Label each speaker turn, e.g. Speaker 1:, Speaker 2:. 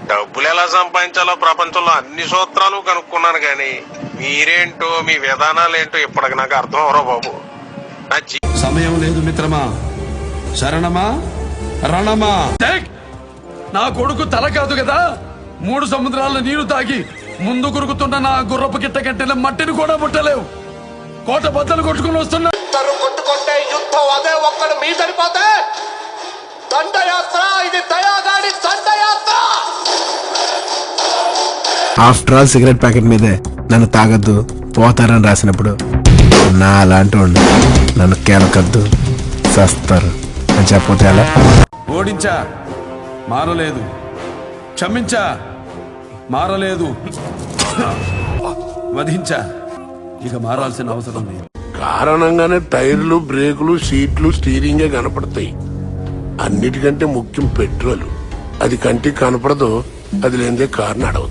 Speaker 1: డబ్బులు ఎలా సంపాదించాలో ప్రపంచంలో అన్ని సూత్రాలు కనుక్కున్నాను గాని మీరేంటో మీ విధానాలేంటో ఇప్పటికి నాకు అర్థం అవరో బాబు.
Speaker 2: సమయం లేదు మిత్రమా, శరణమా రణమా. నా కొడుకు తల కాదు కదా, 3 సముద్రాల నీరు తాగి ముందు కురుకుతున్న నా గుర్రపు గిట్ట కట్టిన మట్టిని కూడా ముట్టలేవు. కోట బద్దలు కొట్టుకుని వస్తున్నా.
Speaker 3: కొట్టుకుంటే యుద్ధం అదే ఒక్కడు మీ సరిపోతే దండయాత్ర, ఇది దయాగాడి దండయాత్ర.
Speaker 4: ఆఫ్టర్ ఆల్ సిగరెట్ ప్యాకెట్ మీదే నన్ను తాగద్దు పోతారని రాసినప్పుడు నా అలాంటి వాళ్ళు నన్ను కేలకద్దు చస్తారు అని చెప్పతే అలా.
Speaker 2: ఓడించా మారలేదు, క్షమించా మారలేదు, వధించా ఇక మారాల్సిన అవసరం లేదు.
Speaker 5: కారణంగానే టైర్లు, బ్రేకులు, సీట్లు, స్టీరింగే కనపడతాయి. అన్నిటికంటే ముఖ్యం పెట్రోల్. అది కంటికి కనపడదు, అది లేనిదే కారు నడవదు.